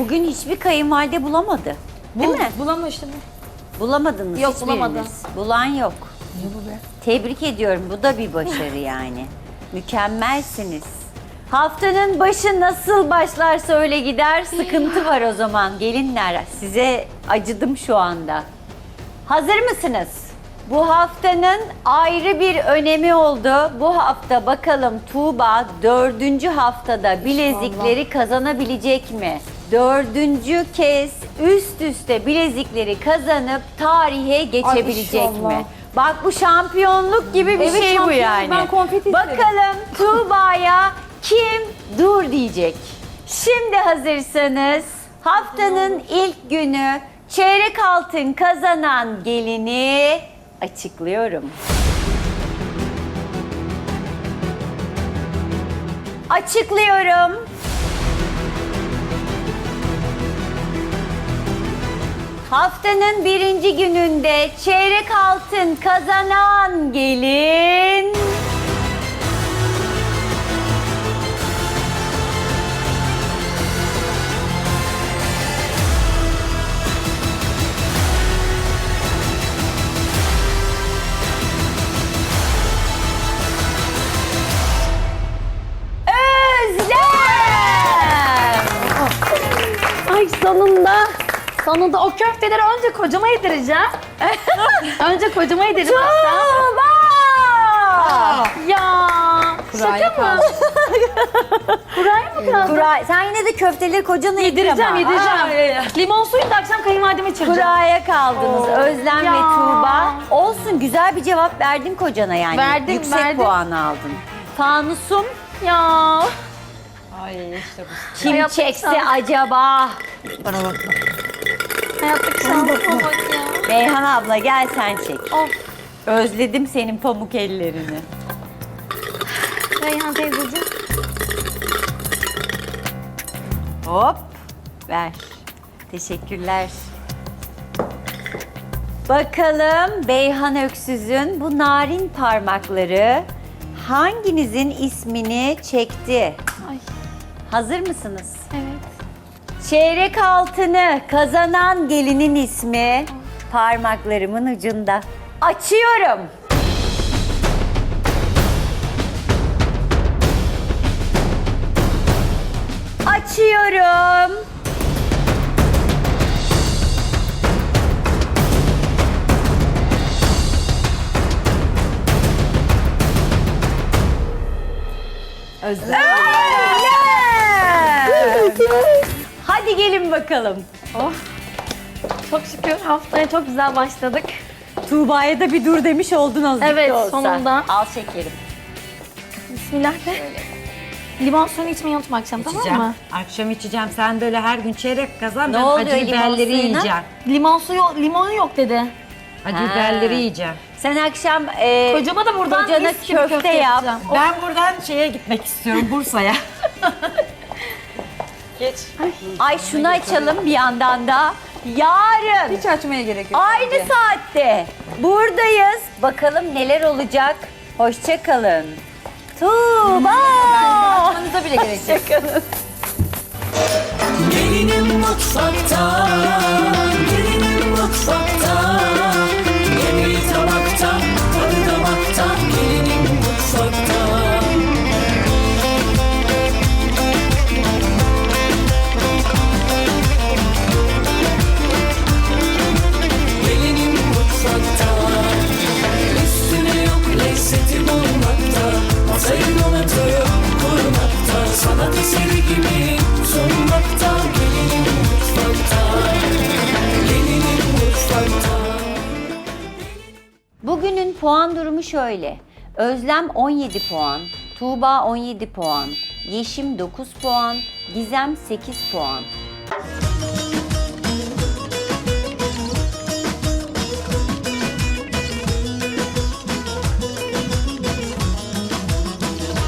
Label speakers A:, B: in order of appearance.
A: Bugün hiçbir kayınvalide bulamadı. Değil mi?
B: Bulamıştım.
A: Bulamadınız
B: Yok,
A: hiçbiriniz.
B: bulamadım.
A: Bulan yok.
B: Ne bu be?
A: Tebrik ediyorum. Bu da bir başarı yani. Mükemmelsiniz. Haftanın başı nasıl başlarsa öyle gider. Sıkıntı var o zaman gelinler. Size acıdım şu anda. Hazır mısınız? Bu haftanın ayrı bir önemi oldu. Bu hafta bakalım Tuğba 4. haftada bilezikleri kazanabilecek mi? 4. kez üst üste bilezikleri kazanıp tarihe geçebilecek
B: inşallah.
A: mi? Bak bu şampiyonluk gibi bir
B: Evet,
A: şey bu
B: şampiyon.
A: yani.
B: Ben konfeti isterim.
A: Bakalım Tuğba'ya kim dur diyecek. Şimdi hazırsanız haftanın ilk günü çeyrek altın kazanan gelini açıklıyorum. Açıklıyorum. Haftanın 1. gününde çeyrek altın kazanan gelin... Özlem!
B: Ay sonunda. Sonunda o köfteleri önce kocama yedireceğim. Önce kocama yedireceğim.
A: Tuğba!
B: Ya. Şaka mı? Kuraya mı kaldı?
A: Kura, sen yine de köfteleri kocana yedir ama.
B: Yedireceğim. Limon suyunu da akşam kayınvalideme içireceğim.
A: Kuraya kaldınız Özlem
B: Ya.
A: ve Tuğba. Olsun, güzel bir cevap verdin kocana yani.
B: Verdim,
A: Yüksek
B: verdim.
A: puan aldın. Fanusum
B: Ya.
C: Ay işte bu.
A: kim
B: Hayatta
A: çekse
B: şans.
A: acaba?
C: Bana bakma.
B: Hayattaki şansıma bak ya.
A: Beyhan abla gel sen çek.
B: Of.
A: Özledim senin pamuk ellerini.
B: Reyhan teyzeciğim.
A: Hop ver. Teşekkürler. Bakalım Beyhan Öksüz'ün bu narin parmakları hanginizin ismini çekti?
B: Ay.
A: Hazır mısınız?
B: Evet.
A: Çeyrek altını kazanan gelinin ismi parmaklarımın ucunda. Açıyorum. Açıyorum.
C: Özlem.
A: Hadi gelin bakalım.
B: Çok şükür haftaya çok güzel başladık.
A: Tuğba'ya da bir dur demiş oldun azıcık
B: Evet,
A: da olsa.
B: sonunda.
A: Al şekerim.
B: Bismillah de. Limon suyunu içmeyi unutma akşam, tamam
C: İçeceğim.
B: mı?
C: Akşam içeceğim. Sen böyle her gün çeyrek kazan.
A: Ne
C: Ben
A: oluyor
C: acı
A: limon
C: biberleri
A: suyuna?
C: yiyeceğim.
B: Limon suyu, limonu yok dedi.
C: Acı
A: Ha.
C: biberleri yiyeceğim.
A: Sen akşam
B: Kocama da buradan
A: kocana
B: mis gibi
A: köfte yap.
B: yapacağım.
C: Ben buradan şeye gitmek istiyorum, Bursa'ya. Geç.
A: Ay şunu açalım bir yandan da. Yarın
C: Hiç açmaya gerek yok.
A: aynı saatte buradayız. Bakalım neler olacak. Hoşça kalın. Tuğba.
C: Açmanıza bile gerek yok.
A: Hoşçakalın.
D: Gelinim mutfakta, gelinim mutfakta. Yemeği tabakta, tadı damakta. Gelinim mutfakta. Gelinim mutfakta. Üstüne yok lezzeti bulmakta. Masayı donatıp kurmakta. Sanat eseri gibi sunmakta. Gelinim mutfakta. Gelinim mutfakta.
A: Bugünün puan durumu şöyle. Özlem 17 puan, Tuğba 17 puan, Yeşim 9 puan, Gizem 8 puan.